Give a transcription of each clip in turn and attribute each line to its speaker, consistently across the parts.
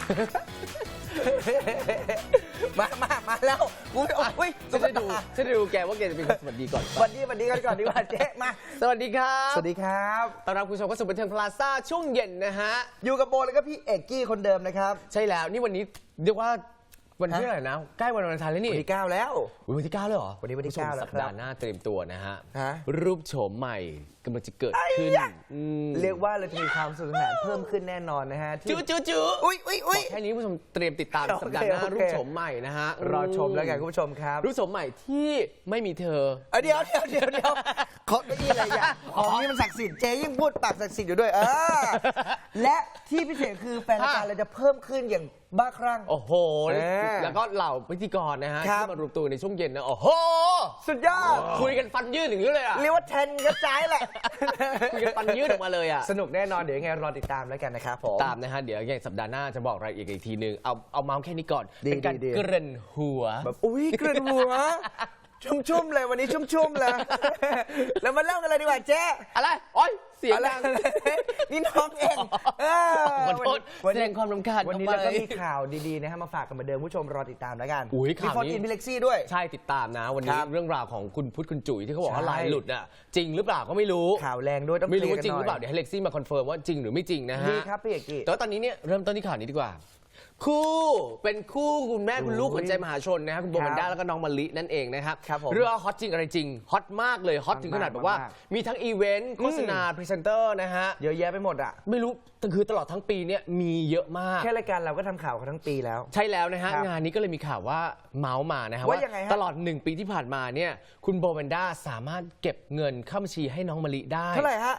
Speaker 1: มาแล้วอุ้ย
Speaker 2: ฉันจะดูแกว่าแกจะเป็นคนสวัสดีก่อน
Speaker 1: สวัสดีกันก่อนดีกว่าเจ๊มา
Speaker 2: สวัสดีครับ
Speaker 1: สวัสดีครับ
Speaker 2: ต้อนรับคุณผู้ชมเข้าสู่บันเทิงพลาซ่าช่วงเย็นนะฮะ
Speaker 1: อยู่กับโบแล้วก็พี่เอกกี้คนเดิมนะครับ
Speaker 2: ใช่แล้วนี่วันนี้เรียกว่าวันที่อะไรนะใกล้วันวาเลนไทน์แล้วนี่
Speaker 1: วันที่9แล้ว
Speaker 2: วันที่9เลยเหรอ
Speaker 1: วันที่9แล้ว
Speaker 2: สัปดาห์หน้าเตรียมตัวนะฮะ
Speaker 1: ฮะ
Speaker 2: รูปโฉมใหม่กำลังจะเกิดขึ้น
Speaker 1: เรียกว่าเราจะมีความสนุกสนานเพิ่มขึ้นแน่นอนนะฮะ
Speaker 2: จื้อ
Speaker 1: อุ้ย
Speaker 2: แค่นี้ผู้ชมเตรียมติดตามสัปดาห์หน้ารูปโฉมใหม่นะฮะ
Speaker 1: รอชมแล้วกันคุณผู้ชมครับ
Speaker 2: รูปโฉมใหม่ที่ไม่มีเธอ
Speaker 1: เดี๋ยวขอไม่อะไรอย่างของนี่มันศักดิ์สิทธิ์เจ๊ยิ่งพูดปากศักดิ์สิทธิ์อยู่ด้วยและที่พิเศษคือแฟนรายการเราจะเพิ่มขึ้นอย่างบ้าคลั่ง
Speaker 2: โอ้โหแล้วก็เหล่าพิธีกรนะฮะที่มารวมตัวในช่วงเย็นนะโอ้โห
Speaker 1: สุดยอด
Speaker 2: คุยกันฟันยืดอย่างนี้เลยอ่ะ
Speaker 1: เรียกว่าแทนกระจายแหละ
Speaker 2: คุยกันฟันยืดออกมาเลยอ่ะ
Speaker 1: สนุกแน่นอนเดี๋ยวยังไงรอติดตามแล้วกันนะครับผม
Speaker 2: ตามนะฮะเดี๋ยวอย่างสัปดาห์หน้าจะบอกรายละเอียดอีกทีนึงเอาเมาส์แค่นี้ก่อนเป็นการเกริ่นหัว
Speaker 1: แบบอุ้ยเกริ่นหัวชุ่มเลยวันนี้ชุ่มเลยแล้วมาเล่ากันเลยดีกว่าเจ๊
Speaker 2: อะไรโอ๊ยเสียงดัง
Speaker 1: นี่น้องเอง
Speaker 2: ขอโทษแสดงความรำคาญ
Speaker 1: วันนี้เราก็มีข่าวดีๆนะฮะมาฝากกันเหมือนเดิมผู้ชมรอติดตามแล้วกัน
Speaker 2: ข่าวนี้
Speaker 1: มีเล็กซี่ด้วย
Speaker 2: ใช่ติดตามนะวันนี้เรื่องราวของคุณพุทธคุณจุ๋ยที่เขาบอกว่าลายหลุดอ่ะจริงหรือเปล่าก็ไม่รู้
Speaker 1: ข่าวแรงด้วยต้อง
Speaker 2: ไม่รู้ว่าจริงหรือเปล่าเดี๋ยวให้เล็กซี่มาคอนเฟิร์มว่าจริงหรือไม่จริงนะฮะ
Speaker 1: ดีครับพี่เอกกี้
Speaker 2: แต่ตอนนี้เนี่ยเริ่มต้นที่ข่าวนี้ดีกว่าคู่เป็นคู่คุณแม่คุณลูกขวัญใจมหาชนนะครับคุณโบมันด้าแล้วก็น้องมะลินั่นเองนะครับเรื่องฮอตจริงอะไรจริงฮอตมากเลยฮอตถึงขนาดแบบว่ามีทั้งอีเวนต์โฆษณาพรีเซนเตอร์นะฮะ
Speaker 1: เยอะแยะไปหมดอ่ะ
Speaker 2: ไม่รู้คือตลอดทั้งปีเนี่ยมีเยอะมาก
Speaker 1: แค่รายการเราก็ทำข่าวกันทั้งปีแล้ว
Speaker 2: ใช่แล้วนะฮะงานนี้ก็เลยมีข่าวว่าเมาส์มานะฮะว่าตลอด1ปีที่ผ่านมาเนี่ยคุณโบมันด้าสามารถเก็บเงินเข้าบัญชีให้น้องมะลิได้
Speaker 1: เท่าไหร่ฮะ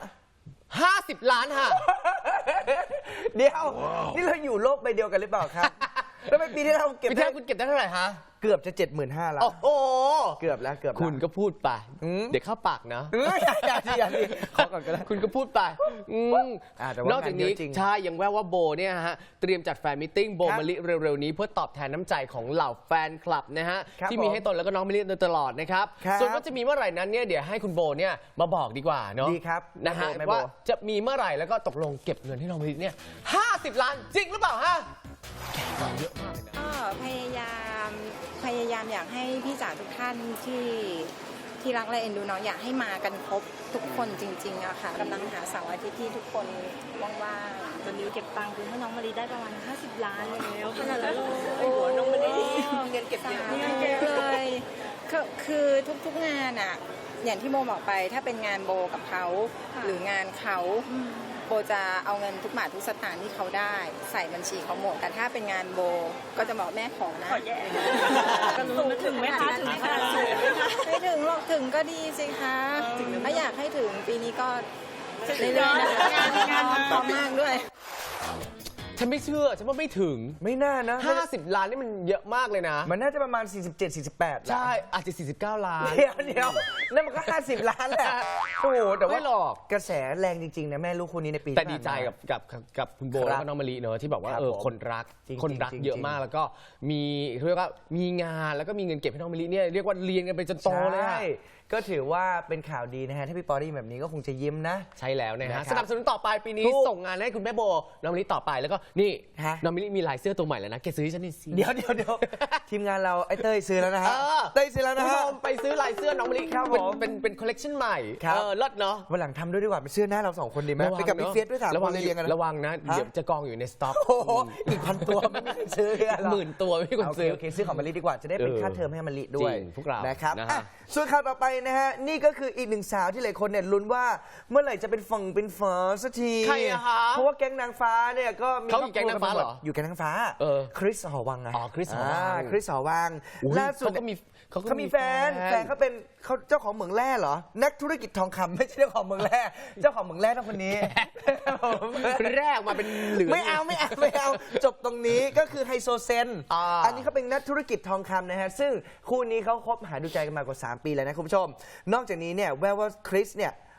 Speaker 2: 50 ล้านค่ะ
Speaker 1: เดี๋ยวนี่เราอยู่โลกใบเดียวกันหรือเปล่าครับแล้วปีที่เราเก็บ
Speaker 2: ได้คุณเก็บได้เท่าไหร่ฮะ
Speaker 1: เกือบจะ 75,000 แล้ว
Speaker 2: โอ้โห
Speaker 1: เกือบแล้ว
Speaker 2: คุณก็พูดไปเดี๋ยวเข้าปากนะ
Speaker 1: อย่าขอก่อนก็ได้
Speaker 2: คุณก็พูดไปนอกจากนี้ใช่ยังแววว่าโบเนี่ยฮะเตรียมจัดแฟนมิทติ้งโบมะลิเร็วๆนี้เพื่อตอบแทนน้ำใจของเหล่าแฟนคลับนะฮะที่มีให้ตนแล้วก็น้องมะลิโดยตลอดนะครับส่วนว่าจะมีเมื่อไหร่นั้นเนี่ยเดี๋ยวให้คุณโบเนี่ยมาบอกดีกว่าเนาะ
Speaker 1: ดีครับ
Speaker 2: นะฮะว่าจะมีเมื่อไหร่แล้วก็ตกลงเก็บเงินให้น้องมะลิเนี่ย50 ล้านจริงหรือเปล่าฮะเยอะมากเลยนะ
Speaker 3: พยายามอยากให้พี่จ๋าทุกท่านที่รักและเอ็นดูน้องอยากให้มากันครบทุกคนจริงๆอะค่ะกำลังหาเสาร์อาทิตย์ที่ทุกคนว่าง
Speaker 4: ๆตอนนี้เก็บตังค์คือให้น้องมะลิได้ประมาณ50 ล้านแล้วขนาดนั้นโอ้น้องมะลิเงินเก็บเยอะ
Speaker 3: เลยคือทุกๆงานอะอย่างที่โบบอกไปถ้าเป็นงานโบกับเขาหรืองานเขาโบจะเอาเงินทุกบาททุกสตางค์ที่เขาได้ใส่บัญชีเขาหมดแต่ถ้าเป็นงานโบก็จะบอกแม่ขอนะ
Speaker 4: ขอแย่ถึงไหมคะถึงขนาดสูงไหมคะ
Speaker 3: ไม่ถึงหรอกถึงก็ดีสิคะถ้าอยากให้ถึงปีนี้ก็เรื่อยๆงานพร้อมมากด้วย
Speaker 2: ฉันไม่เชื่อฉันว่าไม่ถึง
Speaker 1: ไม่น่านะ
Speaker 2: 50 ล้านนี่มันเยอะมากเลยนะ
Speaker 1: มันน่าจะประมาณ47-48
Speaker 2: ใช่อาจจะ49 ล้าน
Speaker 1: เดี๋ยวนั่นมันก็50 ล้านแหละโอ้โหแต่ว่า
Speaker 2: หรอก
Speaker 1: กระแสแรงจริงๆนะแม่ลูกคู่นี้ในปี
Speaker 2: แต่ดีใจกับคุณโบแล้วก็น้องมะลิเนอะที่บอกว่าคนรักเยอะมากแล้วก็มีเรียกว่ามีงานแล้วก็มีเงินเก็บให้น้องมะลิเนี่ยเรียกว่าเรียนกันไปจนโตเลย
Speaker 1: ก็ถือว่าเป็นข่าวดีนะฮะถ้าพี่ปอได้ยินแบบนี้ก็คงจะยิ้มนะ
Speaker 2: ใช่แล้วนะฮะสนับสนุนต่อไปปีนี้ส่งงานให้คุณแม่โบน้องมะลิต่อไปแล้วก็นี่น้องมะลิมีลายเสื้อตัวใหม่แล้วนะแกซื้อให้ฉันนี่สิ
Speaker 1: เดี๋ยวทีมงานเราไอ้เต้ยซื้อแล้วนะฮะเต้ยซื้อแล้วนะฮะ
Speaker 2: ไปซื้อลายเสื้อน้องมะลิเป็นคอลเลคชันใหม่เลิศเนาะ
Speaker 1: วันหลังทำด้วยดีกว่าเป็นเสื้อหน้าเรา2 คนดีไหมไปกับพี่เฟียสด้วย3 คนเรียงกัน
Speaker 2: ระวังนะเดี๋ยวจะกองอยู่ในสต็อก
Speaker 1: อีก1,000 ตัวไม่มีซื้อ
Speaker 2: 10,000 ตัวไม่มีคนซื้อ
Speaker 1: โอเคซื้อของมะลิดีกว่าจะได้เป็นค่าเทอมให้มะลิด้วย
Speaker 2: พวกเรา
Speaker 1: นะครับส่วนข่าวต่อไปนะฮะนี่ก็คืออีก1 สาวที่หลายคนเนี่ยลุ้นว่าเมื่อไหร่จะเป็นฝั่งเป็นฝาสักทีเพราะว่าแก๊งนางฟ้าเนี่ยก็มี
Speaker 2: เขาอยู่แก๊งนางฟ้าเหรอ
Speaker 1: อยู่แก๊งนางฟ้าคริสหอวัง
Speaker 2: อ๋อคริสหอ
Speaker 1: วังล่าสุดเขามีแฟนเขาเป็นเขาเจ้าของเหมืองแร่เหรอนักธุรกิจทองคำไม่ใช่เจ้าของเหมืองแร่เจ้าของเหมืองแร่ต้องคนนี้
Speaker 2: แรกมาเป็นเหลือง
Speaker 1: ไม่เอาจบตรงนี้ก็คือไฮโซเซนอันนี้เขาเป็นนักธุรกิจทองคำนะฮะซึ่งคู่นี้เขาคบหาดูใจกันมากว่า3 ปีแล้วนะคุณผู้ชมนอกจากนี้เนี่ยแววว่าคริสเนี่ย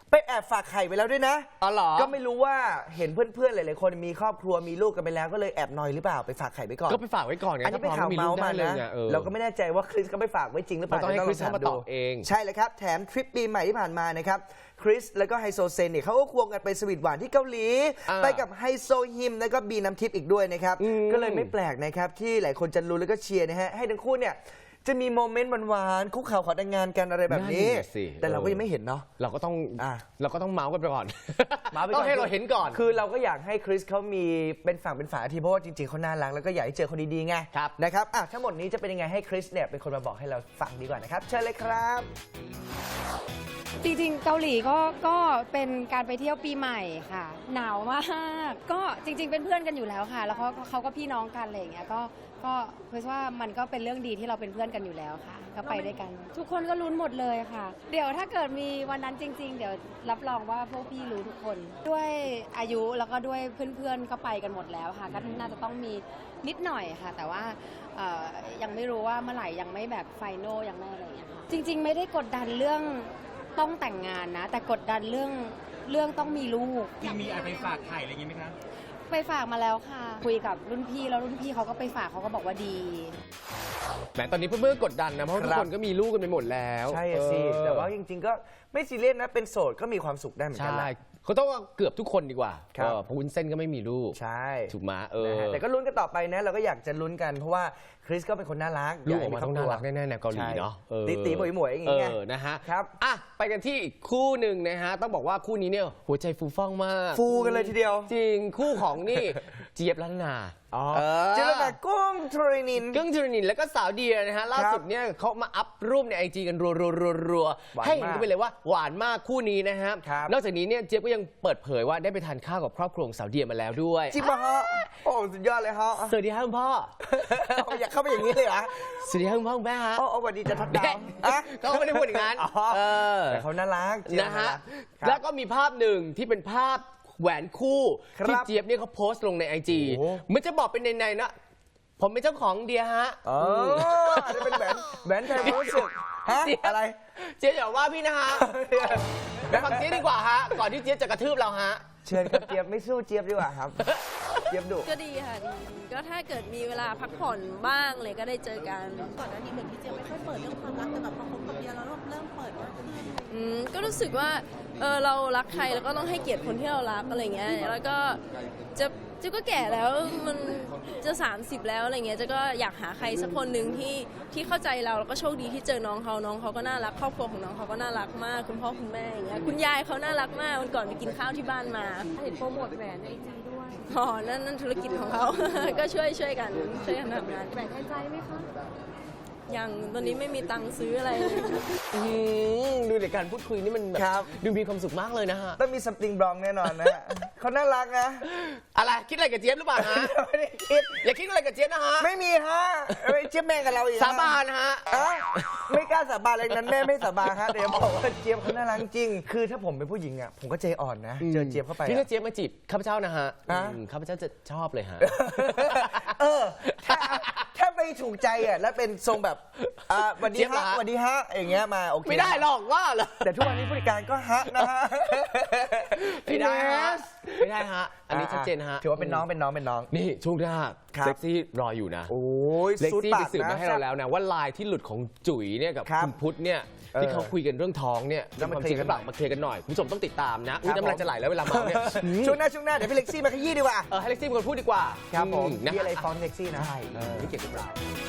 Speaker 1: ไปแอบฝากไข่ไปแล้วด้วยนะ
Speaker 2: อ๋อเหรอ
Speaker 1: ก็ไม่รู้ว่าเห็นเพื่อนๆหลายๆคนมีครอบครัวมีลูกกันไปแล้วก็เลยแอบนอยหรือเปล่าไปฝากไข่ไปก่อน
Speaker 2: ก็ไปฝากไว้ก่อนไง
Speaker 1: อันนี้เป็นข่าว
Speaker 2: ถ้
Speaker 1: เมาส์
Speaker 2: พร้
Speaker 1: มา
Speaker 2: อลูกได้
Speaker 1: นะ
Speaker 2: เลยไงเออ
Speaker 1: เราก็ไม่แน่ใจว่าคริสก็ไปฝากไว้จริงหรือเปล่า
Speaker 2: ต้องให้
Speaker 1: ดี๋ยว
Speaker 2: คริสเข้ามาตอบเอง
Speaker 1: ใช่เลยครับแถมทริปปีใหม่ที่ผ่านมานะครับคริสแล้วก็ไฮโซเซนเนี่ยเขาก็ควงกันไปสวีทหวานที่เกาหลี ไปกับไฮโซฮิมแล้วก็บีน้ำทิพย์อีกด้วยนะครับก็เลยไม่แปลกนะครับที่หลายคนจะรู้แล้วก็เชียร์นะฮะให้ทั้งคู่เนี่ยจะมีโมเมนต์หวานๆคุกเข่าขอแต่งงานกันอะไรแบบนี้
Speaker 2: นั่นน่ะสิ
Speaker 1: แต่เราก็ยังไม่เห็นเนาะ
Speaker 2: เราก็ต้อง
Speaker 1: อ่ะ
Speaker 2: เมาส์กันไปก่อน
Speaker 1: มาไปก่อน
Speaker 2: ต้องให้เราเห็นก่อน
Speaker 1: คือเราก็อยากให้คริสเขามีเป็นฝั่งเป็นฝาทีเพราะว่าจริงๆเขาน่ารักแล้วก็อยากให้เจอคนดีๆไง
Speaker 2: ครับ
Speaker 1: นะครับอ่ะทั้งหมดนี้จะเป็นยังไงให้คริสเนี่ยเป็นคนมาบอกให้เราฟังดีกว่านะครับเชิญเลยครับ
Speaker 5: จริงๆ เกาหลีก็เป็นการไปเที่ยวปีใหม่ค่ะ หนาวมากก็จริงๆ เป็นเพื่อนกันอยู่แล้วค่ะ แล้วเขาก็พี่น้องกันอะไรอย่างเงี้ยก็เพราะว่ามันก็เป็นเรื่องดีที่เราเป็นเพื่อนกันอยู่แล้วค่ะ ก็ไปด้วยกัน ทุกคนก็ลุ้นหมดเลยค่ะ เดี๋ยวถ้าเกิดมีวันนั้นจริง ๆ เดี๋ยวรับรองว่าพวกพี่รู้ทุกคน ด้วยอายุแล้วก็ด้วยเพื่อนๆ ก็ไปกันหมดแล้วค่ะ ก็น่าจะต้องมีนิดหน่อยค่ะ แต่ว่ายังไม่รู้ว่าเมื่อไหร่ยังไม่แบบไฟนอลยังไม่อะไรอย่างเงี้ยค่ะจริง ๆ ไม่ได้กดดันเรื่องต้องแต่งงานนะแต่กดดันเรื่องต้องมีลูก
Speaker 6: มีอะไรไปฝากไข่อะไรอย่างงี้ไหมครับ
Speaker 5: ไปฝากมาแล้วค่ะคุยกับรุ่นพี่แล้วรุ่นพี่เขาก็ไปฝากเขาก็บอกว่าดี
Speaker 2: แหมตอนนี้เพื่อนๆกดดันนะเพราะทุกคนก็มีลูกกันไปหมดแล้ว
Speaker 1: ใช่สิ แต่ว่าจริงๆก็ไม่ซีเรียสนะเป็นโสดก็มีความสุขได้เหมือนกั
Speaker 2: ใช่
Speaker 1: นนะ
Speaker 2: เขาต้องว่าเกือบทุกคนดีกว่า
Speaker 1: ครับ
Speaker 2: เพราะวุ้นเส้นก็ไม่มีลูก
Speaker 1: ใช่
Speaker 2: ถูกไหม
Speaker 1: นะฮะแต่ก็ลุ้นกันต่อไปนะเราก็อยากจะลุ้นกันเพราะว่าคริสก็เป็นคนน่ารัก
Speaker 2: ลูกออกมาต้องน่ารักแน่ๆแนวเกาหลีเนาะ
Speaker 1: ใช่ตีๆหมวยๆอย่างเงี้ย
Speaker 2: นะฮะ
Speaker 1: ครับ
Speaker 2: อ่ะไปกันที่อีกคู่หนึ่งนะฮะต้องบอกว่าคู่นี้เนี่ยหัวใจฟูฟ่องมาก
Speaker 1: ฟูกันเลยทีเดียว
Speaker 2: จริงคู่ของนี่ เจี๊ยบลันนา
Speaker 1: เจอแบบกุ้งทรินิน
Speaker 2: กึ้งจรนินแล้วก็สาวเดียนะฮะล่าสุดเนี่ยเขามาอัพรูปในไอจีกันรัว
Speaker 1: หวานมาก
Speaker 2: ๆให้เห็นกันไปเลยว่าหวานมากคู่นี้นะฮะ
Speaker 1: ครับ
Speaker 2: นอกจากนี้เนี่ยเจี๊ยบก็ยังเปิดเผยว่าได้ไปทานข้าวกับครอบครัวของสาวเดียมาแล้วด้วย
Speaker 1: จริงป่ะฮะโอ้สุดยอดเลยฮะ
Speaker 2: สวัสดีครับคุณพ่อ
Speaker 1: อยากเข้าไปอย่างนี้เลยเหรอ
Speaker 2: สวัสดีครับคุณพ่อคุณแม่ฮะ
Speaker 1: โอ้สวัสดีจะทัดดาวอ่ะ
Speaker 2: เขาไม่ได้พูดอย่างนั้น
Speaker 1: อ๋อ แต่เขาน่ารักเจี๊ยบ
Speaker 2: นะฮะ
Speaker 1: ครับ
Speaker 2: แล้วก็มีภาพหนึ่งที่เป็นภาพแหวนคู่
Speaker 1: ครับ
Speaker 2: ที่เจี๊ยบเนี่ยเขาโพสต์ลงในไอจี
Speaker 1: โอ้
Speaker 2: มันจะบอกเป็นในๆนะ ผมเป็นเจ้าของเดียฮะ
Speaker 1: อ๋ออาจจะเป็นแหวนแทนความรู้สึกฮะ
Speaker 2: เจี๊ยบ
Speaker 1: อะไร
Speaker 2: เจี๊ยบอย่าว่าพี่นะฮะไปฟังเจี๊ยบดีกว่าฮะก่อนที่เจี๊ยบจะกระทืบเราฮะ
Speaker 1: เชิญครับเจี๊ยบไม่สู้เจี๊ยบดีกว่าครับ เจี๊ยบดุ
Speaker 7: ก็ดีค่ะดีก็ถ้าเกิดมีเวลาพักผ่อนบ้างเลยก็ได้เจอกัน
Speaker 4: ก่อนหน้านี้เหมือนพี่เจี๊ยบไม่ค่อยเปิดเรื่องความรักแต่แบบพอคบกับเบียร์แล้วเริ่มเปิดมากขึ้น
Speaker 7: ก็รู้สึกว่าเรารักใครแล้วก็ต้องให้เกียรติคนที่เรารักอะไรเงี้ยแล้วก็จะก็แก่แล้วมันจะ30แล้วอะไรเงี้ยจะก็อยากหาใครสักคนหนึ่งที่เข้าใจเราแล้วก็โชคดีที่เจอน้องเขาก็น่ารักครอบครัวของน้องเขาก็น่ารักมากคุณพ่อคุณแม่อย่างเงี้ยคุณยายเขาน่ารักมากวันก่อนไปกินข้าวที่บ้านมาเห็นโปรโมทแหวนในไอจีด้วยอ๋อนั่นธุรกิจของเขา ก็ช่วยกันทำงานแหวนแทนใจไหมคะยังตอนนี้ไม่มีตังค์ซื้ออะไรเลย
Speaker 2: ดูในการพูดคุยนี่มันแบบ
Speaker 1: ครับ
Speaker 2: ดูมีความสุขมากเลยนะฮะ
Speaker 1: ต้องมีซัมติงบลองแน่นอนนะฮะเขาน่ารักนะ
Speaker 2: อะไรคิดอะไรกับเจี๊ยบหรือเปล่าฮะ
Speaker 1: ไม่ได้คิด
Speaker 2: อย่าคิดอะไรกับเจี๊ยบนะฮะ
Speaker 1: ไม่มีฮะไม่เจี๊ยบแม่งกับเราอีกฮะ
Speaker 2: สาบานฮะ
Speaker 1: อ่ะไม่กล้าสาบานอะไรนั้นแม่ไม่สาบานฮะเดี๋ยวบอกว่าเจี๊ยบเขาน่ารักจริง คือถ้าผมเป็นผู้หญิงอ่ะผมก็ใจอ่อนนะ เจอเจี๊ยบเข้าไป
Speaker 2: พี่
Speaker 1: อะ
Speaker 2: ถ้าเจี๊ยบมาจีบข้าพเจ้านะฮะ
Speaker 1: ฮะ
Speaker 2: ข้าพเจ้าจะชอบเลยฮะ
Speaker 1: เออถ้าไปถูกใจอ่ะแล้วเป็นทรงแบบสวัสดี
Speaker 2: เจี๊ยบเหร
Speaker 1: ฮะ
Speaker 2: อฮะ
Speaker 1: สวัสดีฮะอย่างเงี้ยมาโอเค
Speaker 2: ไม่ได้หรอกว่าเหรอ
Speaker 1: แต่ทุกวันนี้ผู้จัดการก็ฮะนะฮะ
Speaker 2: ไม่ได้ฮะไม่ได้ฮะ อันนี้ชัดเจนฮะ
Speaker 1: ถือว่าเป็นน้อง
Speaker 2: นี่ช่วงหน้า
Speaker 1: ครับ
Speaker 2: เซ็กซี่รออยู่นะ
Speaker 1: โอ้ย
Speaker 2: เล็ก
Speaker 1: ซูด
Speaker 2: ซี่
Speaker 1: ปา
Speaker 2: ไป
Speaker 1: ก
Speaker 2: สืบ
Speaker 1: นะ
Speaker 2: มาให้เราแล้วนะว่าไลน์ที่หลุดของจุ๋ยเนี่ยกับ
Speaker 1: ครับ
Speaker 2: คุณพุทธเนี่ยที่เขาคุยกันเรื่องท้องเนี่ย
Speaker 1: แล้ว
Speaker 2: เป็น
Speaker 1: มา
Speaker 2: ความจริงหรือเปล่า
Speaker 1: เคลียร์กันหน่อย
Speaker 2: มาเคลียร์กันหน่อยคุณผู้ชมต้องติดตามนะอุ้ย
Speaker 1: ครับ
Speaker 2: น้ำลายจะไหลแล้วเวลาเมาเนี่ย
Speaker 1: ช่วงหน้าเดี๋ยวพี่เล็กซี่มาขยี้ดีกว่า
Speaker 2: ให้เล็กซี่เป็นคนพูดดีกว่า
Speaker 1: ครับผม
Speaker 2: นะ
Speaker 1: มีอะไรฟ้องเล็กซี่นะ
Speaker 2: ใช่ไม่เกี่ยวกับเรา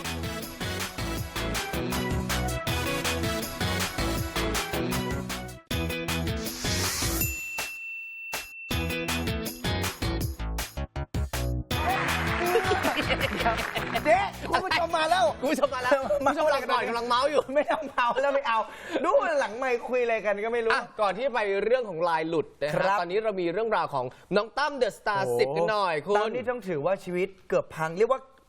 Speaker 1: เจ๊คุณผู้ชมมาแล้ว
Speaker 2: คุณผู้ชมมาแล้วคุณผู้ชมกำลังก่อนกำลังเมาส์อยู่
Speaker 1: ไม่ต้องเมาแล้วไม่เอา ดูหลังไม่คุยอะไรกันก็ไม่รู้
Speaker 2: อ่ะก่อนที่จะไปเรื่องของลายหลุดนะ
Speaker 1: ครั
Speaker 2: ฮะ
Speaker 1: บ
Speaker 2: ตอนนี้เรามีเรื่องราวของน้องตั้มเดอะสตาร์10กันหน่อยคุณ
Speaker 1: ตอนนี้ต้องถือว่าชีวิตเกือบพังเรียกว่า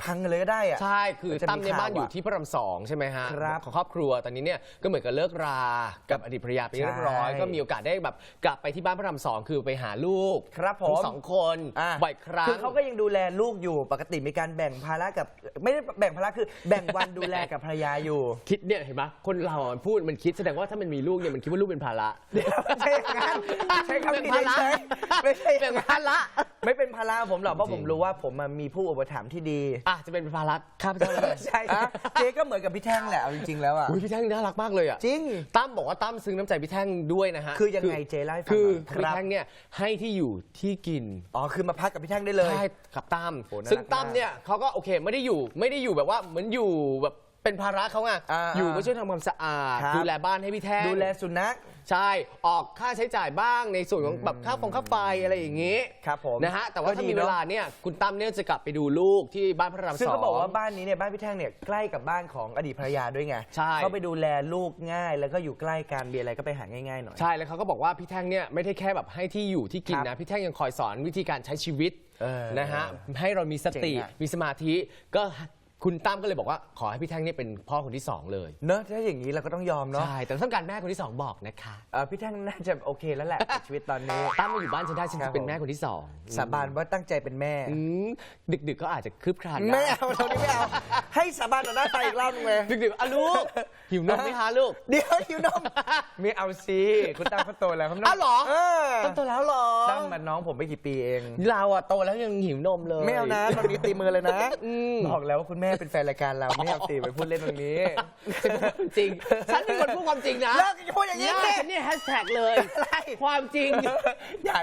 Speaker 1: พังกันเลยก็ได้อะ
Speaker 2: ใช่ คือ
Speaker 1: จะมี
Speaker 2: ตั้มเนี่ย
Speaker 1: ข่าว
Speaker 2: บ้านอยู่
Speaker 1: อะ
Speaker 2: ที่พระราม2ใช่ไหมฮะ
Speaker 1: ครับ
Speaker 2: ของครอบครัวตอนนี้เนี่ยก็เหมือนกับเลิกรากับอดีตภรรยาไปเรียบร้อย
Speaker 1: ใช่
Speaker 2: ก็มีโอกาสได้แบบกลับไปที่บ้านพระราม2คือไปหาลูก
Speaker 1: ครับผม
Speaker 2: ทั้งสองคน
Speaker 1: อ่ะ
Speaker 2: บ่อยครั้ง
Speaker 1: คือเขาก็ยังดูแลลูกอยู่ปกติมีการแบ่งภาระกับไม่ได้แบ่งภาระคือแบ่งวันดูแลกับภรรยาอยู่
Speaker 2: คิดเนี่ยเห็นไหมคนเราอ่ะพูดมันคิดแสดงว่าถ้ามันมีลูกเนี่ยมันคิดว่าลูกเป็นภาระ
Speaker 1: เดี๋ยวไม่ใช่อย่างนั้นใช้คำ
Speaker 2: เป็น
Speaker 1: ผิด
Speaker 2: ภาระ
Speaker 1: ใช่ไม่ใช่อ
Speaker 2: เป็
Speaker 1: ย่าน งนั้น
Speaker 2: ภาระ
Speaker 1: ไม่เป็นภาระผมหรอกเพราะ
Speaker 2: จริ
Speaker 1: ผ
Speaker 2: ง
Speaker 1: มรู้ว่าผมมีผู้อุปถัมภ์ที่ดี
Speaker 2: อ่ะจะเป็นภาระข้าพเจ้าเลย
Speaker 1: ใช่เจ๊ก็เหมือนกับพี่แท่งแหละเอาจริงๆแล้วอ่ะ
Speaker 2: อุ้ยพี่แท่งน่ารักมากเลยอ่ะ
Speaker 1: จริง
Speaker 2: ตั้มบอกว่าตั้มซึ้งน้ำใจพี่แท่งด้วยนะฮะ
Speaker 1: คือยังไงเจ๊เล่าให้ฟัง
Speaker 2: คือ
Speaker 1: หน่อยครับ
Speaker 2: พี่แท่งเนี่ยให้ที่อยู่ที่กิน
Speaker 1: อ๋อคือมาพักกับพี่แท่งได้เลย
Speaker 2: ใช่กับตั้ม
Speaker 1: โอ้น่ารัก
Speaker 2: ซึ่งตั้มเนี่ยเขาก็โอเคไม่ได้อยู่แบบว่าเหมือนอยู่แบบเป็นภาระเขาไง อยู่มาช่วยทำความสะอาด
Speaker 1: ครับ
Speaker 2: ดูแลบ้านให้พี่แท่ง
Speaker 1: ดูแลสุนัข
Speaker 2: ใช่ออกค่าใช้จ่ายบ้างในส่วนของแบบค่าไฟอะไรอย่างงี้
Speaker 1: ครับผม
Speaker 2: นะฮะแต่ว่า
Speaker 1: ก็
Speaker 2: ถ้า
Speaker 1: ดี
Speaker 2: มี
Speaker 1: เนอะ
Speaker 2: เวลาเนี่ยคุณตั้มเนี่ยจะกลับไปดูลูกที่บ้านพระราม
Speaker 1: ซึ่ง
Speaker 2: สอง
Speaker 1: เขาบอกว่าบ้านนี้เนี่ยบ้านพี่แท่งเนี่ยใกล้กับบ้านของอดีตภรรยาด้วยไง
Speaker 2: ใช่
Speaker 1: เขาไปดูแลลูกง่าย แล้วก็อยู่ใกล้กันมีอะไรก็ไปหาง่ายๆหน่อย
Speaker 2: ใช่แล้วเขาก็บอกว่าพี่แท่งเนี่ยไม่ได้แค่แบบให้ที่อยู่ที่กิน
Speaker 1: ครั
Speaker 2: นะ
Speaker 1: บ
Speaker 2: พี่แท่งยังคอยสอนวิธีการใช้ชีวิต
Speaker 1: เออ
Speaker 2: นะฮะให้เรามีสติ
Speaker 1: เจ๋งอะ
Speaker 2: มีสมาธิก็คุณตั้มก็เลยบอกว่าขอให้พี่แท่งเนี่ยเป็นพ่อคนที่สองเลย
Speaker 1: เนอะถ้าอย่างนี้เราก็ต้องยอมเนาะ
Speaker 2: ใช่แต่ต้องการแม่คนที่สองบอกนะคะ
Speaker 1: พี่แท่งน่าจะโอเคแล้วแหละกับชีวิตตอนนี้
Speaker 2: ตั้มมาอยู่บ้านฉันได้ฉัน
Speaker 1: ครั
Speaker 2: จะ
Speaker 1: บ
Speaker 2: เป็นแม่คนที่สอง
Speaker 1: สาบานว่าตั้งใจเป็นแม่
Speaker 2: อืมดึกๆก็อาจจะคืบคลานได้
Speaker 1: ไม่เอาตรงนี้ไม่เอา ให้สาบานต่อหน้าไฟอีกรอบนึงเลย
Speaker 2: ดึกๆอ่ะลูกหิวนมไหมคะลูก
Speaker 1: เดี๋ยวหิวนมไม่เอาสิคุณตั้มเขาโตแล้วเขาไม่ต้
Speaker 2: อ้าวเหรอ
Speaker 1: เ
Speaker 2: ตั้มโตแล้วเหรอ
Speaker 1: ตั้มมันน้องผมไม่กี่ปีเอง
Speaker 2: เราอะโตแล้วยังหิวนมเลย
Speaker 1: ไม่เอานะตอนนี้ตีมือเลยนะ
Speaker 2: ม
Speaker 1: บอกแล้วว่าคุณแม่เป็นแฟนรายการเราไม่เอาสิไปพูดเล่นตรงนี้
Speaker 2: จริง ฉันเป็นคนพูดความจริงนะ
Speaker 1: เลิกจะพูดอย่างนี้
Speaker 2: ห
Speaker 1: สิ
Speaker 2: ฉันเนี่ยแฮชแท็กเลย
Speaker 1: อะไร
Speaker 2: ความจริง
Speaker 1: อย่า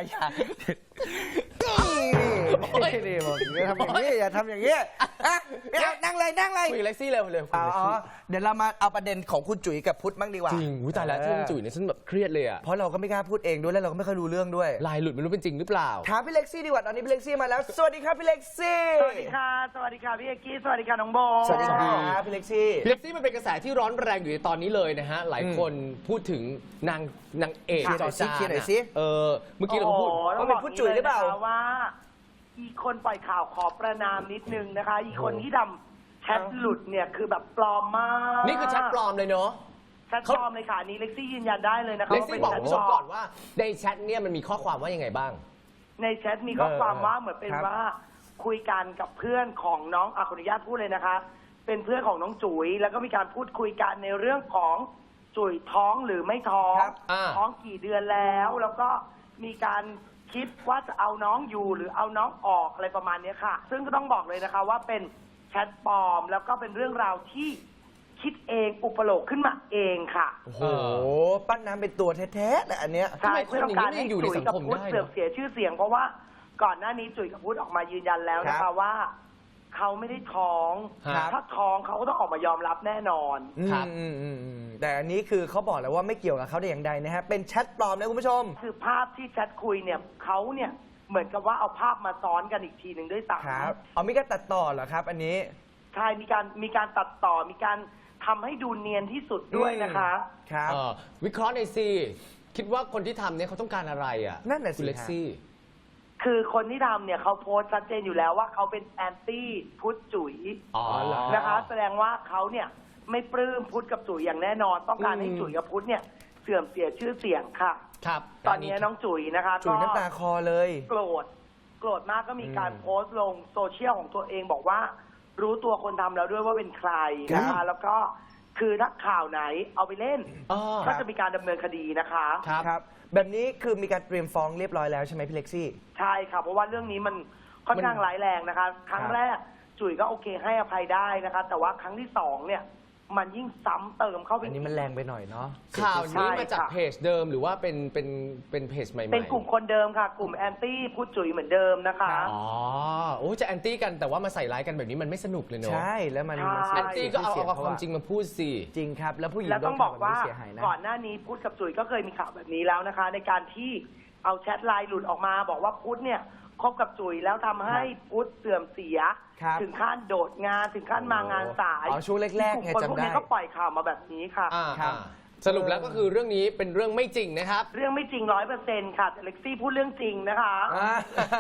Speaker 1: นี่บอกอย่าทำอย่างนี้อย่าทำอย่างนี้อ่ะไม่เอานั่งเลยนั่งเลย
Speaker 2: คุยกับเล็กซี่เร็วเร็วคุย
Speaker 1: อ๋
Speaker 2: กับเล็ก
Speaker 1: อ
Speaker 2: ซี่
Speaker 1: เดี๋ยวเรามาเอาประเด็นของคุณจุ๋ยกับพุทธบ้างดีกว่า
Speaker 2: จริงอุ๊ยตายแล้วที่คุณจุ๋ยเนี่ยฉันแบบเครียดเลยอะ
Speaker 1: เพราะเราก็ไม่กล้าพูดเองด้วยแล้วเราก็ไม่ค่อยรู้เรื่องด้วย
Speaker 2: ลายหลุดไม่รู้เป็นจริงหรือเปล่า
Speaker 1: ถามพี่เล็กซี่ดีกว่าตอนนี้พี่เล็กซี่มาแล้วสวัสดีครับพี่เล็กซี่
Speaker 8: สวัสดีค่ะ สวัสดีค่ะพี่เอกกี้ สวัสดีค่ะน้องโบ
Speaker 1: สวัสดีครับพี่เล็กซี่
Speaker 2: เล็กซี่มันเป็นกระแสที่ร้อนแรงอยู่ในตอนนี้เลยนะฮะ หลายคนพูดถึงนางเอก
Speaker 1: เคลียร์หน่อยสิ
Speaker 2: จอจาน
Speaker 1: เคลียร์หน่อยสิ
Speaker 2: เมื่อกี้เราก็พูด
Speaker 1: ว่าเป็นผู้จุ๋ยหรือเปล่า
Speaker 8: ต้งบกย่งนี้ลยนะคะว่า อีคนปล่อยข่าวขอประนามนิดนึงนะคะ อีคนที่ทำแชทหลุดเนี่ยคือแบบปลอมมาก
Speaker 2: นี่คือแชทปลอมเลยเนาะ
Speaker 8: แชทปลอมเลยค่ะอันนี้เล็กซี่ยืนยันได้เลยนะคะ
Speaker 2: เล็ก
Speaker 8: ว่า
Speaker 2: ซี่
Speaker 8: เป็น
Speaker 2: บอก
Speaker 8: แชท
Speaker 2: คุณ
Speaker 8: ป
Speaker 2: ผู้ช
Speaker 8: ล
Speaker 2: ม
Speaker 8: อ
Speaker 2: ก่อ
Speaker 8: ม
Speaker 2: นว่าในแชทเนี่ยมันมีข้อความว่ายังไงบ้าง
Speaker 8: ในแชทมีข้อความว่าเหมือนเป็นว่าคุยกันกับเพื่อนของน้องขออนุญาตพูดเลยนะคะ เป็นเพื่อนของน้องจุ๋ยแล้วก็มีการพูดคุยกันในเรื่องของจุ๋ยท้องหรือไม่ท้อง
Speaker 1: ครับ
Speaker 8: ท้องกี่เดือนแล้วแล้วก็มีการคิดว่าจะเอาน้องอยู่หรือเอาน้องออกอะไรประมาณเนี้ยค่ะ ซึ่งก็ต้องบอกเลยนะคะว่าเป็นแชทปลอมแล้วก็เป็นเรื่องราวที่คิดเองอุปโลกขึ้นมาเองค่ะ
Speaker 1: โอ้โหปั้นน้ำเป็นตัวแท้ๆนะอันเนี้ย
Speaker 8: ใช่
Speaker 2: ทำไมคน
Speaker 8: เพื่อต้องการให้
Speaker 2: อย่างนี้ยังอยู่ใน
Speaker 8: จุ๋ย
Speaker 2: สัง
Speaker 8: กับ
Speaker 2: คม
Speaker 8: พุทธ
Speaker 2: ได้เนอะ
Speaker 8: เสื่อมเสียชื่อเสียง เพราะว่าก่อนหน้านี้จุ๋ยกับพุทธออกมายืนยันแล้วนะ
Speaker 1: ครั
Speaker 8: คะ
Speaker 1: บ
Speaker 8: ว่าเขาไม่ได้ท้อง
Speaker 2: ครับ
Speaker 8: ถ้าท้องเขาก็ต้องออกมายอมรับแน่นอน
Speaker 2: ครับ
Speaker 1: แต่อันนี้คือเขาบอกแล้วว่าไม่เกี่ยวกับเขาแต่อย่างใดนะฮะเป็นแชทปลอมนะคุณผู้ชม
Speaker 8: คือภาพที่แชทคุยเนี่ยเขาเนี่ยเหมือนกับว่าเอาภาพมาซ้อนกันอีกทีหนึ่งด้วยซ้
Speaker 1: ครับเอามีการตัดต่อเหรอครับ อันนี้
Speaker 8: ำใช่มีการตัดต่อมีการทำให้ดูเนียนที่สุดด้วยนะคะ
Speaker 1: ครับ
Speaker 2: วิเคราะห์ในอยสิคิดว่าคนที่ทำเนี่ยเขาต้องการอะไรอ่ะ
Speaker 1: นั่นน่ะสิ
Speaker 2: คุณเล็กซี่
Speaker 8: คือคนที่ทำเนี่ยเขาโพสต์ชัดเจนอยู่แล้วว่าเขาเป็นแอนตี้พุทธจุ๋ย
Speaker 2: อ๋อเหรอ
Speaker 8: นะคะ แสดงว่าเขาเนี่ยไม่ปลื้มพุทธกับจุ๋ยอย่างแน่นอน ต้องการให้จุ๋ยกับพุทธเนี่ยเสื่อมเสียชื่อเสียงค่ะ
Speaker 2: ครับ
Speaker 8: ตอนนี้น้องจุ๋ยนะคะ
Speaker 1: จุ๋ย
Speaker 8: ก็
Speaker 1: น้ำตาคอเลย
Speaker 8: โกรธมากก็มีการโพสต์ลงโซเชียลของตัวเองบอกว่า รู้ตัวคนทำแล้วด้วยว่าเป็นใครนะ
Speaker 1: ครั
Speaker 8: คะ
Speaker 1: บ
Speaker 8: แล้วก็คือถ้าข่าวไหนเอาไปเล่น
Speaker 2: อ๋อ
Speaker 8: ก็จะมีการดำเนินคดีนะคะ
Speaker 2: ครับ
Speaker 1: ครับ แบบนี้คือมีการเตรียมฟ้องเรียบร้อยแล้วใช่ไหมพี่เล็กซี่
Speaker 8: ใช่ค่ะเพราะว่าเรื่องนี้มันค่อนข้างร้ายแรงนะคะ ครั้งแรกจุ๋ยก็โอเคให้อภัยได้นะคะ แต่ว่าครั้งที่สองเนี่ยมันยิ่งซ้ำเติมเข้าไป
Speaker 1: อันนี้มันแรงไปหน่อยเนาะ
Speaker 2: ข่าว
Speaker 8: ใช่
Speaker 2: นี้มาจาก
Speaker 8: ค่ะ
Speaker 2: เพจเดิมหรือว่าเป็นเพจใหม่ๆ
Speaker 8: เป็นกลุ่มคนเดิมค่ะ กลุ่มแอนตี้พุทธจุ๋ยเหมือนเดิมนะคะ
Speaker 2: อ๋อโอ้จะแอนตี้กันแต่ว่ามาใส่ร้ายกันแบบนี้มันไม่สนุกเลยเนอะ
Speaker 1: ใช่แล้วมัน
Speaker 8: ใช่
Speaker 2: แอนตี้ก็เอา
Speaker 1: สีย
Speaker 2: ความจริงมาพูดสิ
Speaker 1: จริงครับ แล้วผู้หญิง
Speaker 8: แล้วต้องบอกว่า
Speaker 1: โดนข่แบบนี้เสียหายนะ
Speaker 8: ก่อนหน้านี้พุทธกับจุ๋ยก็เคยมีข่าวแบบนี้แล้วนะคะ ในการที่เอาแชทไลน์หลุดออกมา บอกว่าพุทธเนี่ยคบกับจุ๋ยแล้วทำให้พุทธเสื่อมเสีย
Speaker 1: ครับ
Speaker 8: ถึงขั้นโดดงานถึงขั้นมางานสาย
Speaker 1: อ๋อช่วงแรกๆ
Speaker 8: กลุ่ม
Speaker 1: ไง
Speaker 8: คน
Speaker 1: จำ
Speaker 8: พวก
Speaker 1: ได้
Speaker 8: นี้ก็ปล่อยข่าวมาแบบนี้ค่ะ
Speaker 1: ครับ
Speaker 2: สรุปแล้วก็คือเรื่องนี้เป็นเรื่องไม่จริงนะครับ
Speaker 8: เรื่องไม่จริง100%ค่ะแต่เล็กซี่พูดเรื่องจริงนะคะ
Speaker 1: อ่า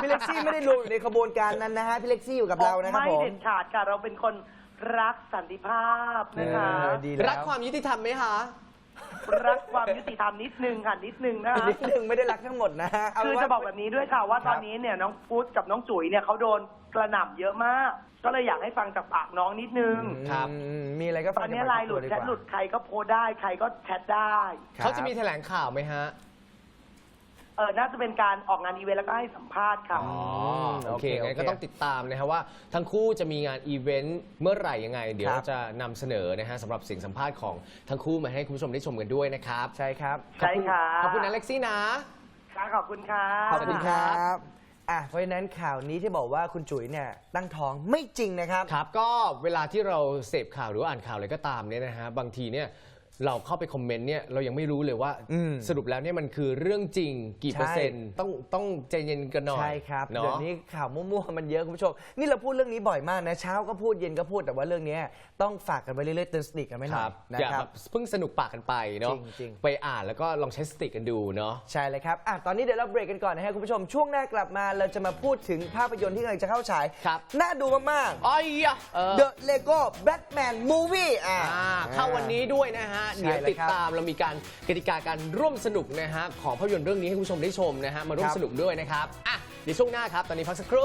Speaker 1: พี่เล็กซี่ไม่ได้รวมอยู่ในขบวนการนั้นนะฮะพี่เล็กซี่อยู่กับเรานะครับ
Speaker 8: ไม่
Speaker 1: ผม
Speaker 8: เด็ดขาดค่ะเราเป็นคนรักสันติภาพนะคะ
Speaker 1: ดีแล้ว
Speaker 2: รักความยุติธรรมไหมคะ
Speaker 8: รักความยุติธรรมนิดนึงค่ะนิดนึงนะคะ
Speaker 1: นิดนึงไม่ได้รักทั้งหมดนะฮะเา
Speaker 8: คือ
Speaker 1: เป็นว่า
Speaker 8: จะบอกแบบนี้ด้วยค่ะว่าตอนนี้เนี่ยน้องพุทธกับน้องจุ๋ยเนี่ยเขาโดนกระหน่ำเยอะมาก ก็เลยอยากให้ฟังจากปากน้องนิดนึง
Speaker 2: ครับ
Speaker 1: มีอะไรก็ฟัง
Speaker 8: ตอนนี้
Speaker 1: จากปาก
Speaker 8: ไลน์หลุด
Speaker 1: ตัว
Speaker 8: แชทหลุดใครก็โพสต์ได้ใครก็แชทได้
Speaker 1: ครับ
Speaker 2: เขาจะมีแถลงข่าวไหมฮะ
Speaker 8: น่าจะเป็นการออกงานอีเวนต์แล้วก็ให้สัมภาษณ์ค่ะ
Speaker 2: อ๋อโอเคงั้นก็ต้องติดตามนะครับว่าทั้งคู่จะมีงานอีเวนต์เมื่อไหร่ยังไง เดี๋ยวเราจะนำเสนอนะฮะสำหรับเสียงสัมภาษณ์ของทั้งคู่มาให้คุณผู้ชมได้ชมกันด้วยนะครับ
Speaker 1: ใช่ครับ
Speaker 8: ใช่ค่ะ
Speaker 2: ขอบคุณนะเล็กซี่นะ
Speaker 8: ค่ะขอบคุณค่ะ
Speaker 1: ขอบคุณครับเพราะฉะนั้นข่าวนี้ที่บอกว่าคุณจุ๋ยเนี่ยตั้งท้องไม่จริงนะครับ
Speaker 2: ครับก็เวลาที่เราเสพข่าวหรือว่าอ่านข่าวอะไรก็ตามเนี่ยนะฮะบางทีเนี่ยเราเข้าไปคอมเมนต์เนี่ยเรายังไม่รู้เลยว่า สรุปแล้วเนี่ยมันคือเรื่องจริงกี่เปอร์เซ็นต์ต้องใจเย็นกันหน่อย
Speaker 1: ใช่ครับ
Speaker 2: เนาะ
Speaker 1: เดี๋ยวนี้ข่าวมั่วๆมันเยอะคุณผู้ชมนี่เราพูดเรื่องนี้บ่อยมากนะเช้าก็พูดเย็นก็พูดแต่ว่าเรื่องนี้ต้องฝากกันไปเรื่อยๆเตือนสติกันไว้ห
Speaker 2: ค
Speaker 1: น่อ
Speaker 2: รั
Speaker 1: ย
Speaker 2: บ
Speaker 1: นะ
Speaker 2: อย่า
Speaker 1: ครั
Speaker 2: แบบ บเพิ่งสนุกปากกันไปเนาะ
Speaker 1: จริง
Speaker 2: ไปอ่านแล้วก็ลองใช้สติกันดูเนาะ
Speaker 1: ใช่เลยครับตอนนี้เดี๋ยวเราเบรกกันก่อนนะฮะคุณผู้ชมช่วงหน้ากลับมาเราจะมาพูดถึงภาพยนตร์ที่กำลังจะเข้าฉาย
Speaker 2: ครับ
Speaker 1: น่าดูมาก
Speaker 2: อ้อยอะ
Speaker 1: ๆ The Lego Batman Movie
Speaker 2: เข้าวันนี้ด้วยนะฮะ
Speaker 1: ใช่
Speaker 2: เดี๋ยว
Speaker 1: เลย
Speaker 2: ติด
Speaker 1: ครับ
Speaker 2: ตามเรามีการกติกาการร่วมสนุกนะฮะของภาพยนตร์เรื่องนี้ให้คุณผู้ชมได้ชมนะฮะมาร่วม
Speaker 1: ครับ
Speaker 2: สนุกด้วยนะครับเดี๋ยวช่วงหน้าครับตอนนี้พักสักครู่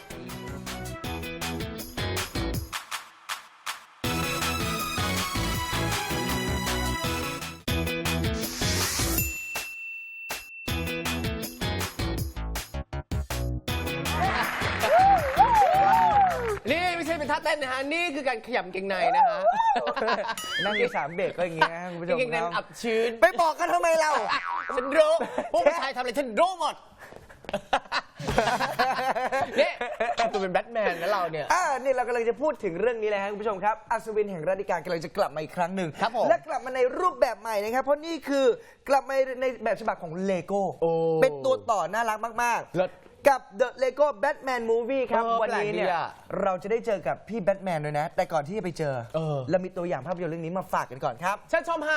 Speaker 2: นี่ไม่ใช่เป็นท่าเต้นนะฮะ นี่คือการขยำเกงในนะฮะ
Speaker 1: นั่งอยู่3 เบรกก็อย่างเงี้ยนะคุณผู้ชม
Speaker 2: เกงใน
Speaker 1: ค
Speaker 2: มัน
Speaker 1: รั
Speaker 2: อั
Speaker 1: บบ
Speaker 2: ชื้น
Speaker 1: ไปบอกกันทำไมเรา
Speaker 2: ฉันรู้พวกผู้ชายทำอะไรฉันรู้หมด นี่ตัวเป็นแบทแมนนะเราเนี่ย
Speaker 1: นี่เรากำลังจะพูดถึงเรื่องนี้เลยครับคุณผู้ชมครับอัศวินแห่งราดิการกำลังจะกลับมาอีกครั้งหนึ่ง
Speaker 2: ครับผม
Speaker 1: และกลับมาในรูปแบบใหม่นะครับเพราะนี่คือกลับมาในแบบฉบับของเลโก้เป็นตัวต่อน่ารักมาก
Speaker 2: เลิศ
Speaker 1: ๆ กับ The Lego Batman Movie ครับ วันนี้เนี่ย
Speaker 2: แปลกดีอะ
Speaker 1: เราจะได้เจอกับพี่แบทแมนด้วยนะ แต่ก่อนที่จะไปเจอเรามีตัวอย่างภาพยนตร์เรื่องนี้มาฝากกันก่อนครับ
Speaker 2: ฉันชมฮะ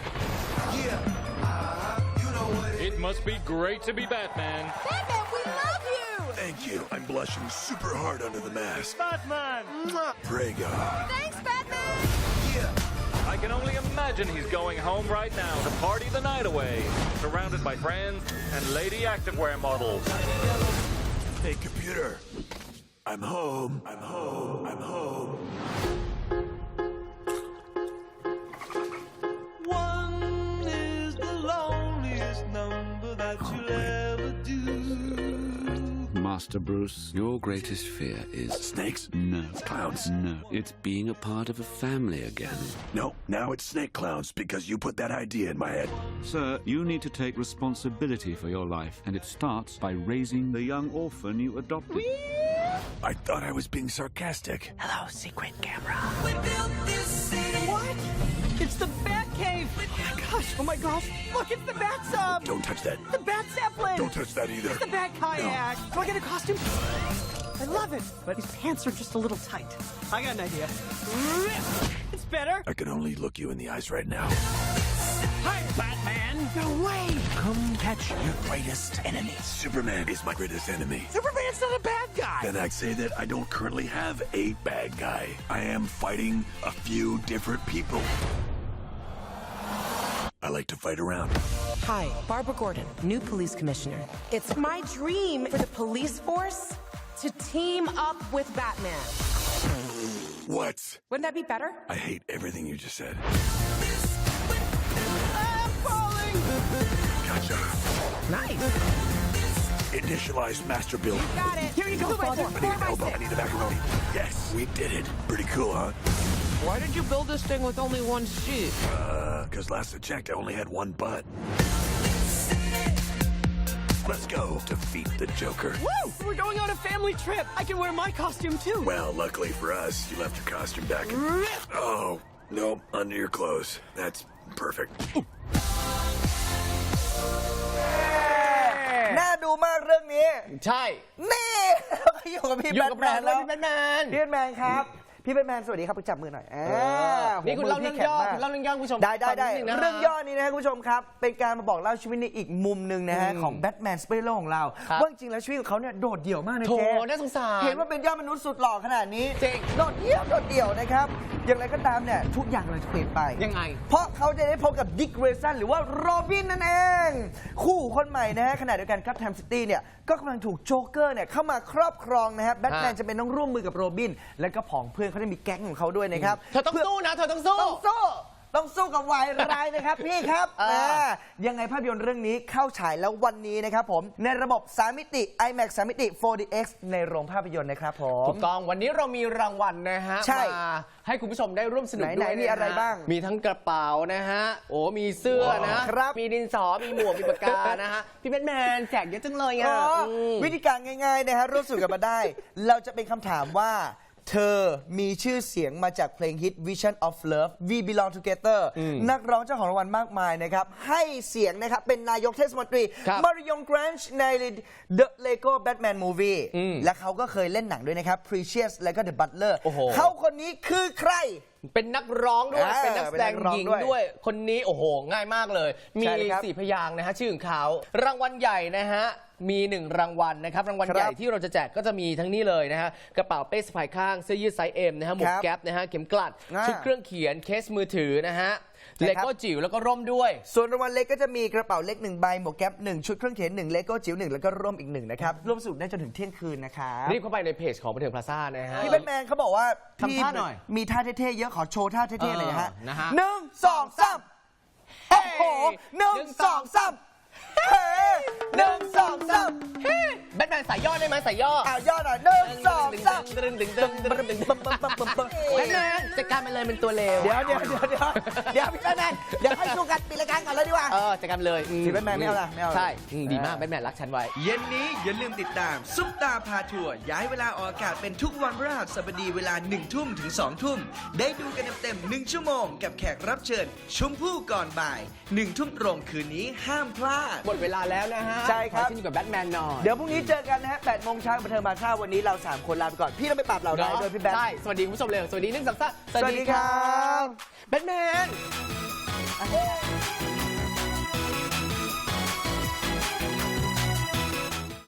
Speaker 6: It must be great to be Batman.
Speaker 9: Batman, we love you!
Speaker 10: Thank you. I'm blushing super hard under the mask.
Speaker 6: Batman!
Speaker 10: Prego.
Speaker 9: Thanks, Batman!
Speaker 6: I can only imagine he's going home right now to party the night away, surrounded by friends and lady activewear models.
Speaker 10: Hey, computer. I'm home. I'm home. I'm home.
Speaker 11: One is the loneliest number that you'll ever do.
Speaker 12: Master Bruce, your greatest fear is...
Speaker 10: Snakes?
Speaker 12: No.
Speaker 10: Clowns?
Speaker 12: No. It's being a part of a family again.
Speaker 10: No, now it's snake clowns because you put that idea in my head.
Speaker 12: Sir, you need to take responsibility for your life, and it starts by raising the young orphan you adopted.
Speaker 10: I thought I was being sarcastic.
Speaker 11: Hello, secret camera. We built this city. What? It's the Batcave. Oh my gosh. Look, it's the Bat Sub.
Speaker 10: Don't touch that.
Speaker 11: The Bat Zeppelin.
Speaker 10: Don't touch that either.
Speaker 11: It's the Bat Kayak. Do I get a costume? I love it, but his pants are just a little tight. I got an idea. It's better.
Speaker 10: I can only look you in the eyes right now.
Speaker 11: Hi, Batman. No way. Come catch your greatest enemy.
Speaker 10: Superman is my greatest enemy.
Speaker 11: Superman's not a bad guy.
Speaker 10: Then I'd say that I don't currently have a bad guy. I am fighting a few different people. I like to fight around.
Speaker 13: Hi, Barbara Gordon, new police commissioner. It's my dream for the police force to team up with Batman.
Speaker 10: What?
Speaker 13: Wouldn't that be better?
Speaker 10: I hate everything you just said.
Speaker 11: I'm falling.
Speaker 10: Gotcha.
Speaker 13: Nice.
Speaker 10: Initialize master build.
Speaker 13: Got it. Here you go,
Speaker 10: I need an elbow. I need a macaroni. Yes, we did it. Pretty cool, huh?
Speaker 11: Why did you build this thing with only one seat?
Speaker 10: Because last I checked, I only had one butt. Let's go defeat the Joker.
Speaker 11: Woo! We're going on a family trip. I can wear my costume too.
Speaker 10: Well, luckily for us, you left your costume back in... Oh, no, under your clothes. That's perfect.
Speaker 1: น่าดูมากเรื่องนี้
Speaker 2: ใช่
Speaker 1: นี่เราก็อยู่กับพี่
Speaker 2: อยู่
Speaker 1: แบ
Speaker 2: กั
Speaker 1: ท
Speaker 2: บ
Speaker 1: แม
Speaker 2: เรา
Speaker 1: น
Speaker 2: แล้
Speaker 1: แล้ว ว
Speaker 2: พี่แบทแมน
Speaker 1: พี่แบทแมนครับพี่แบทแมนสวัสดีครับจับมือหน่อย
Speaker 2: นี่คุณเล่าเรื่องย่อ
Speaker 1: มื
Speaker 2: คุณเล่าเรื่องย่อคุณผู้ชม
Speaker 1: ได้
Speaker 2: ฟังนินึงนะฮะ
Speaker 1: เรื่องย่อนี้นะครับคุณผู้ชมครับเป็นการมาบอกเล่าชีวิตในอีกมุมหนึ่งนะฮะของแบทแมนซูเปอร์ฮีโร่ของเรา
Speaker 2: ครับ
Speaker 1: ว่าจริงๆแล้วชีวิตของเขาเนี่ยโดดเดี่ยวมากนะ
Speaker 2: โถ
Speaker 1: เจ๊
Speaker 2: น่าสงสาร
Speaker 1: เห็นว่าเป็นยอดมนุษย์สุดหล่อขนาดนี้
Speaker 2: จริง
Speaker 1: โดดเดี่ยวนะครับอย่างไรก็ตามเนี่ยทุกอย่างเราจะเปลี่ยนไป
Speaker 2: ยังไง
Speaker 1: เพราะเขาจะได้พบกับดิกเกรซันหรือว่าโรบินนั่นเอง คู่คนใหม่นะฮะขณะเดียวกันครับแทมซิตี้เนี่ยก็กำลังถูกโจ๊กเกอร์เนี่ยเข้ามาครอบครองนะครับแบทแมนจะเป็นต้องร่วมมือกับโรบินและก็ผองเพื่อนเขาได้มีแก๊งของเขาด้วยนะครับ
Speaker 2: เธอต้องสู้นะเธอต้องสู้
Speaker 1: ต้องสู้กับวายร้ายนะครับ พี่ครับยังไงภาพยนตร์เรื่องนี้เข้าฉายแล้ววันนี้นะครับผมในระบบ 3 มิติ IMAX 3 มิติ 4DX ในโรงภาพยนตร์นะครับผม
Speaker 2: ถูกต้องวันนี้เรามีรางวัลนะฮะ
Speaker 1: ใช่
Speaker 2: มาให้คุณผู้ชมได้ร่วมสนุก
Speaker 1: ไหน
Speaker 2: ด้วย
Speaker 1: ๆมีอะไร
Speaker 2: นฮ
Speaker 1: บ้าง
Speaker 2: มีทั้งกระเป๋านะฮะโอ้มีเสื้อนะครับ มีดินสอมีหมวกมีปากกานะฮะพี่แบทแมนแจกเยอะจังเลยอ่ะม
Speaker 1: วิธีการง่ายๆนะฮะร่วมสนุกกันมาได้ เราจะเป็นคำถามว่าเธอมีชื่อเสียงมาจากเพลงฮิต Vision of Love We Belong Together นักร้องเจ้าของรางวัลมากมายนะครับให้เสียงนะครับเป็นนายกเทศมนตรี
Speaker 2: ครับ
Speaker 1: มาริยงแกรนช์ใน The Lego Batman Movie และเขาก็เคยเล่นหนังด้วยนะครับ Precious และก็ The Butler
Speaker 2: โอ้โห
Speaker 1: เขาคนนี้คือใคร
Speaker 2: เป็นนักร้องด้วย
Speaker 1: อ่า
Speaker 2: เป็นนักแสดง
Speaker 1: เป็นนักร้อง
Speaker 2: หญิง
Speaker 1: ด้วย
Speaker 2: ด้วย คนนี้โอ้โห ง่ายมากเลย มี
Speaker 1: ใช่เลยครับ
Speaker 2: 4 พยางค์นะฮะ ชื่อของเขา รางวัลใหญ่นะฮะ มี 1 รางวัลนะครับ รางวัล
Speaker 1: ครับ
Speaker 2: ใหญ่ที่เราจะแจกก็จะมีทั้งนี้เลยนะฮะ กระเป๋าเป้สะพายข้าง เสื้อยืดไซส์ M นะฮะ หมว
Speaker 1: ค
Speaker 2: ก
Speaker 1: รับ
Speaker 2: แก๊ปนะฮะ เข็มกลัด
Speaker 1: อ่า
Speaker 2: ชุดเครื่องเขียน เคสมือถือนะฮะ
Speaker 1: ใช่
Speaker 2: เล
Speaker 1: ครับ
Speaker 2: โก้จิ๋วแล้วก็ร่มด้วย
Speaker 1: ส่วนรางวัลเล็กก็จะมีกระเป๋าเล็ก1ใบหมวกแก๊ป1ชุดเครื่องเขียน1เลโก้จิ๋ว1แล้วก็ร่มอีก1นะครับร่วมสนุกได้จนถึงเที่ยงคืนนะครับ
Speaker 2: รีบเข้าไปในเพจของบันเทิงพลาซ่านะฮะ
Speaker 1: พี่แบทแมนเขาบอกว่า
Speaker 2: ทำท่าหน่อย
Speaker 1: มีท่าเท่ๆเยอะขอโชว์ท่าเท่ๆเลยนะฮะ
Speaker 2: นะฮะ
Speaker 1: 1 2 3โอ้โห1 2 3เฮ้1 2 3
Speaker 2: แบทแมนสายย่อได้ไหมสายย่อ
Speaker 1: ย่อหน่อย1 2 3
Speaker 2: แบทแมนจัดการมันเลยเป็นตัวเลว
Speaker 1: เดี๋ยวพี่แบทแมนเดี๋ยวให้สู้กันปิดรายการก่อนเลยดีกว่า
Speaker 2: จัดการเลย
Speaker 1: สีแบทแมนไม่เอาละไม่เอาละ
Speaker 2: ใช่ดีมากแบทแมนรักฉันไว้
Speaker 1: เย็นนี้อย่าลืมติดตามซุปตาพาทัวร์ย้ายเวลาออกอากาศเป็นทุกวันพฤหัสบดีเวลา1 ทุ่มถึง2 ทุ่มได้ดูกันเต็มๆ1 ชั่วโมงกับแขกรับเชิญชมพู่ก่อนบ่าย1 ทุ่มตรงคืนนี้ห้ามพลาด
Speaker 2: หมดเวลาแล้วนะฮะ
Speaker 1: ใช่ครับ
Speaker 2: ขอขึ้นอยู่กับแบทแมนหน่อย
Speaker 1: เดี๋ยวพรุ่งนี้เจอกันนะฮะ8 โมงเช้าบันเทิงบางซ่าวันนี้เรา 3 คนลาไปก่อน พี่ต้องไปปราบเหล่าร้ายด้วยพี่แบท
Speaker 2: ใช่ สวัสดีคุณผู้ชมเลย สวัสดี1 2 3
Speaker 1: สวัสดีครับ
Speaker 2: แบทแมน